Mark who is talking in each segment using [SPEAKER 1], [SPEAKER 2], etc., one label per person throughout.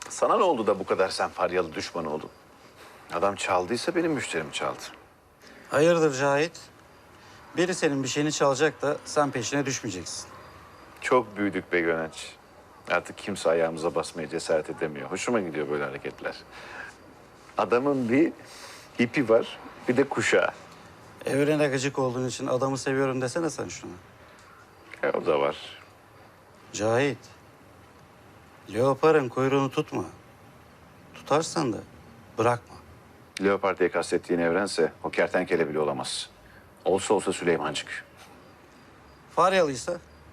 [SPEAKER 1] Sana ne oldu da bu kadar sen Faryalı düşmanı oldun? Adam çaldıysa benim müşterimi çaldı.
[SPEAKER 2] Hayırdır Cahit? Biri senin bir şeyini çalacak da sen peşine düşmeyeceksin.
[SPEAKER 1] Çok büyüdük be Gönenç. Artık kimse ayağımıza basmaya cesaret edemiyor. Hoşuma gidiyor böyle hareketler. Adamın bir ipi var, bir de kuşağı.
[SPEAKER 2] Evrene gıcık olduğun için adamı seviyorum desene sen şunu.
[SPEAKER 1] O da var.
[SPEAKER 2] Cahit, leoparın kuyruğunu tutma. Tutarsan da bırakma.
[SPEAKER 1] Leopard diye kastettiğin evrense o kertenkele bile olamaz. Olsa olsa Süleymancık.
[SPEAKER 2] Faryalıysa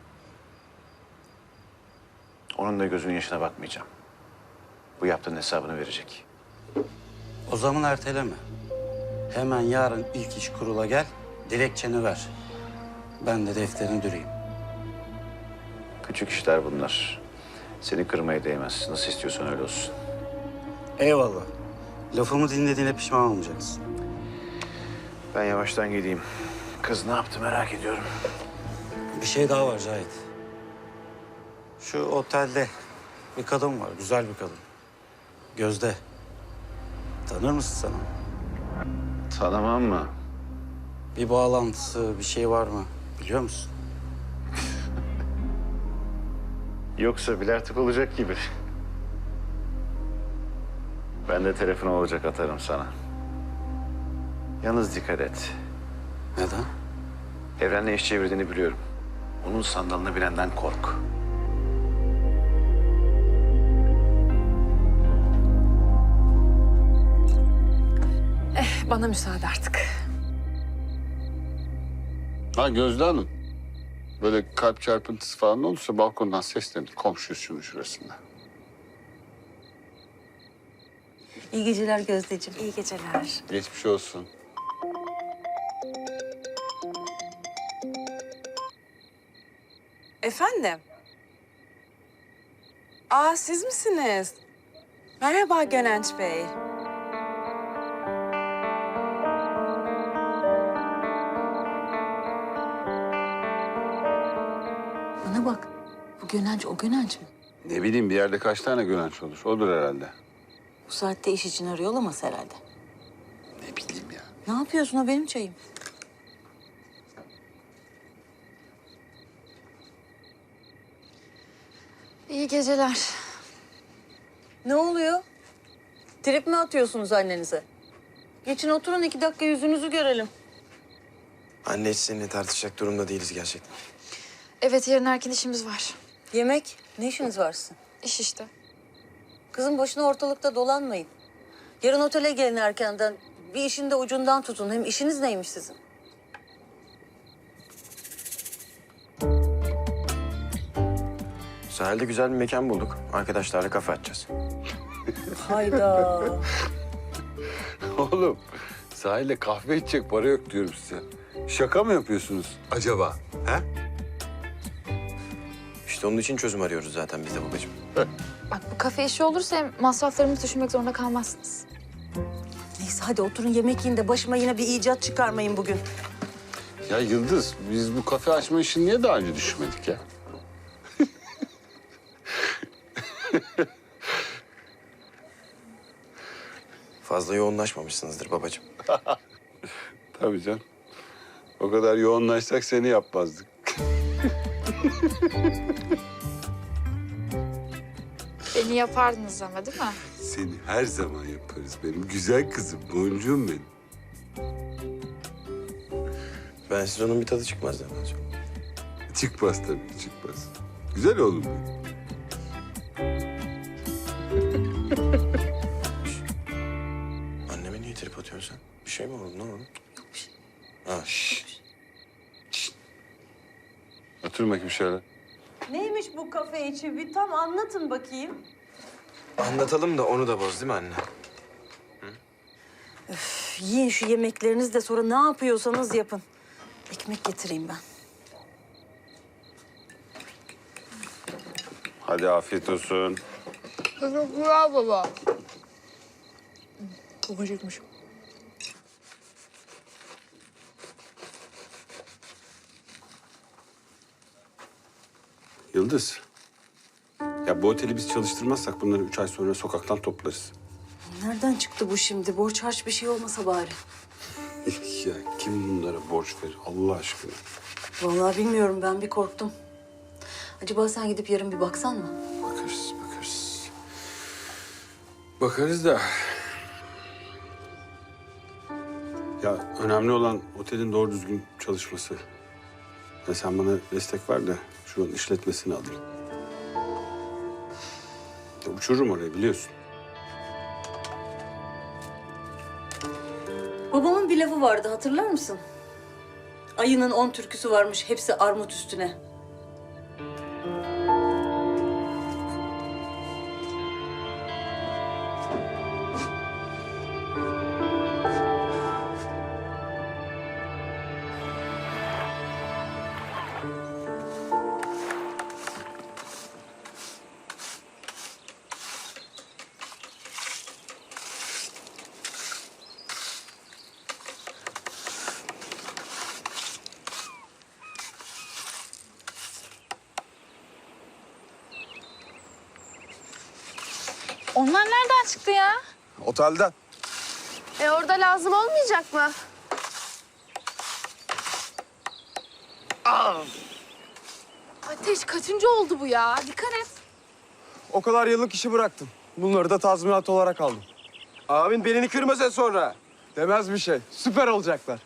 [SPEAKER 1] Onun da gözünün yaşına bakmayacağım. Bu yaptığın hesabını verecek.
[SPEAKER 2] o zaman erteleme. Hemen yarın ilk iş kurula gel, dilekçeni ver. Ben de defterini düreyim.
[SPEAKER 1] Küçük işler bunlar. Seni kırmaya değmez. Nasıl istiyorsan öyle olsun.
[SPEAKER 2] Eyvallah. Lafımı dinlediğine pişman olmayacaksın.
[SPEAKER 1] Ben yavaştan gideyim. Kız ne yaptı merak ediyorum.
[SPEAKER 2] Bir şey daha var Cahit. Şu otelde bir kadın var, güzel bir kadın. Gözde. Tanır mısın sen onu?
[SPEAKER 1] Tanımam mı?
[SPEAKER 2] Bir bağlantısı, bir şey var mı? Biliyor musun?
[SPEAKER 1] Yoksa bile artık olacak gibi. Ben de telefon olacak atarım sana. Yalnız dikkat et.
[SPEAKER 2] Neden?
[SPEAKER 1] Evrenle iş çevirdiğini biliyorum. Onun sandalını bilenden kork.
[SPEAKER 3] Bana müsaade artık.
[SPEAKER 4] Ha Gözde Hanım. Böyle kalp çarpıntısı falan olursa balkondan seslenir. Komşuyuz şunun şurasında.
[SPEAKER 5] İyi geceler Gözdeciğim.
[SPEAKER 3] İyi geceler.
[SPEAKER 4] Geçmiş olsun.
[SPEAKER 3] Efendim? Siz misiniz? Merhaba Gönenç Bey.
[SPEAKER 5] Bana bak. Bu Gönenç o Gönenç mi?
[SPEAKER 4] Ne bileyim bir yerde kaç tane Gönenç olur? Odur herhalde.
[SPEAKER 5] Bu saatte iş için arıyor olamaz herhalde.
[SPEAKER 4] Ne bileyim ya.
[SPEAKER 5] Ne yapıyorsun, o benim çayım.
[SPEAKER 6] İyi geceler.
[SPEAKER 5] Ne oluyor? Trip mi atıyorsunuz annenize? Geçin oturun 2 dakika yüzünüzü görelim.
[SPEAKER 7] Anne hiç seninle tartışacak durumda değiliz gerçekten.
[SPEAKER 6] Evet, yarın erken işimiz var.
[SPEAKER 5] Yemek, ne işiniz varsın?
[SPEAKER 6] İş işte.
[SPEAKER 5] Kızım boşuna ortalıkta dolanmayın. Yarın otele gelin erkenden. Bir işin de ucundan tutun. Hem işiniz neymiş sizin?
[SPEAKER 7] Sahilde güzel bir mekan bulduk. Arkadaşlarla kafe açacağız.
[SPEAKER 5] Hayda.
[SPEAKER 4] Oğlum sahilde kahve içecek para yok diyorum size. Şaka mı yapıyorsunuz acaba? He?
[SPEAKER 7] İşte onun için çözüm arıyoruz zaten biz de babacığım.
[SPEAKER 6] Bak, bu kafe işi olursa hem masraflarımızı düşünmek zorunda kalmazsınız.
[SPEAKER 5] Neyse hadi oturun yemek yiyin de başıma yine bir icat çıkarmayın bugün.
[SPEAKER 4] Ya Yıldız biz bu kafe açma işini niye daha önce düşünmedik ya?
[SPEAKER 7] Fazla yoğunlaşmamışsınızdır babacığım.
[SPEAKER 4] Tabii canım. O kadar yoğunlaşsak seni yapmazdık.
[SPEAKER 6] Beni yapardınız ama değil mi?
[SPEAKER 4] Seni her zaman yaparız benim güzel kızım, boncuğum benim.
[SPEAKER 7] Ben siz onun bir tadı çıkmaz demez.
[SPEAKER 4] Çıkmaz tabii, çıkmaz. Güzel oğlum benim.
[SPEAKER 7] Anneme niye trip atıyorsun sen? Bir şey mi oldu? Ne oldu? Yok bir şey. Ha, şşş.
[SPEAKER 4] Otur bakayım şöyle.
[SPEAKER 5] Neymiş bu kafe içi? Bir tam anlatın bakayım.
[SPEAKER 7] Anlatalım da onu da boz değil mi anne?
[SPEAKER 5] Yiyin şu yemeklerinizi de sonra ne yapıyorsanız yapın. Ekmek getireyim ben.
[SPEAKER 4] Hadi afiyet olsun.
[SPEAKER 6] Teşekkürler baba. Çok acıkmışım.
[SPEAKER 4] Yıldız,
[SPEAKER 8] Ya bu oteli biz çalıştırmazsak bunları 3 ay sonra sokaktan toplarız.
[SPEAKER 5] Nereden çıktı bu şimdi? Borç harç bir şey olmasa bari.
[SPEAKER 8] Ya kim bunlara borç verir Allah aşkına?
[SPEAKER 5] Vallahi bilmiyorum, ben bir korktum. Acaba sen gidip yarın bir baksan mı?
[SPEAKER 8] Bakarız, bakarız. Bakarız da... Ya önemli olan otelin doğru düzgün çalışması. Ya sen bana destek ver de şunun işletmesini alayım. Ya uçururum orayı biliyorsun.
[SPEAKER 5] Babamın bir lafı vardı, hatırlar mısın? Ayının 10 türküsü varmış, hepsi armut üstüne.
[SPEAKER 6] Onlar nereden çıktı ya?
[SPEAKER 7] Otelden.
[SPEAKER 6] Orada lazım olmayacak mı? Ateş kaçıncı oldu bu ya? Dikkat et.
[SPEAKER 9] O kadar yıllık işi bıraktım. Bunları da tazminat olarak aldım.
[SPEAKER 7] Abin belini kırmasa sonra.
[SPEAKER 9] Demez bir şey. Süper olacaklar.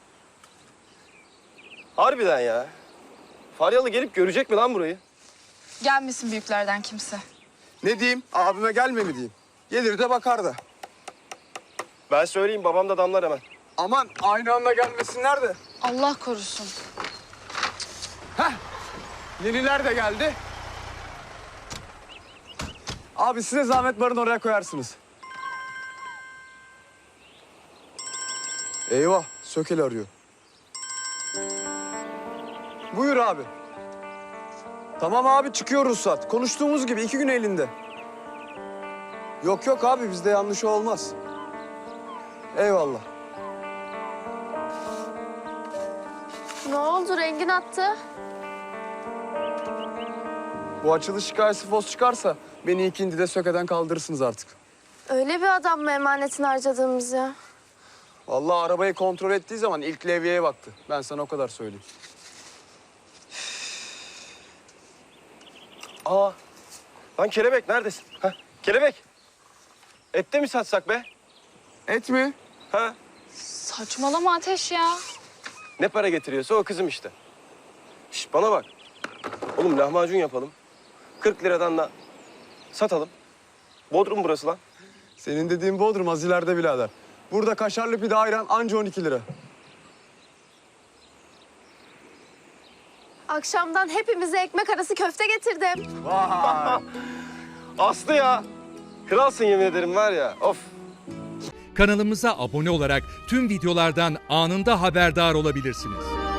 [SPEAKER 7] Harbiden ya. Faryalı gelip görecek mi lan burayı?
[SPEAKER 6] Gelmesin büyüklerden kimse.
[SPEAKER 9] Ne diyeyim? Abime gelme mi diyeyim? Gelir de bakar da.
[SPEAKER 7] Ben söyleyeyim, babam da damlar hemen.
[SPEAKER 9] Aman aynı anda gelmesinler de.
[SPEAKER 6] Allah korusun.
[SPEAKER 9] Yeniler de geldi. Abi size zahmet barın oraya koyarsınız. Eyvah, Sökel arıyor. Buyur abi. Tamam abi, çıkıyor ruhsat. Konuştuğumuz gibi 2 gün elinde. Yok yok abi, bizde yanlış olmaz. Eyvallah.
[SPEAKER 10] Ne oldu? Rengin attı.
[SPEAKER 9] Bu açılış hikayesi fos çıkarsa beni ikindide Söke'den kaldırırsınız artık.
[SPEAKER 10] Öyle bir adam mı emanetini harcadığımız ya?
[SPEAKER 9] Vallahi arabayı kontrol ettiği zaman ilk levyeye baktı. Ben sana o kadar söyleyeyim.
[SPEAKER 7] Aa, lan Kelebek neredesin? Ha, Kelebek. Ette mi satsak be?
[SPEAKER 9] Et mi?
[SPEAKER 7] Ha?
[SPEAKER 6] Saçmalama Ateş ya.
[SPEAKER 7] Ne para getiriyorsa o kızım işte. Şş, bana bak. Oğlum lahmacun yapalım. 40 liradan da satalım. Bodrum burası lan.
[SPEAKER 9] Senin dediğin Bodrum az ileride birader. Burada kaşarlı pide ayran anca 12 lira.
[SPEAKER 10] Akşamdan hepimize ekmek arası köfte getirdim.
[SPEAKER 9] Vay!
[SPEAKER 7] Aslı ya. Kralsın yemin ederim var ya. Of.
[SPEAKER 11] Kanalımıza abone olarak tüm videolardan anında haberdar olabilirsiniz.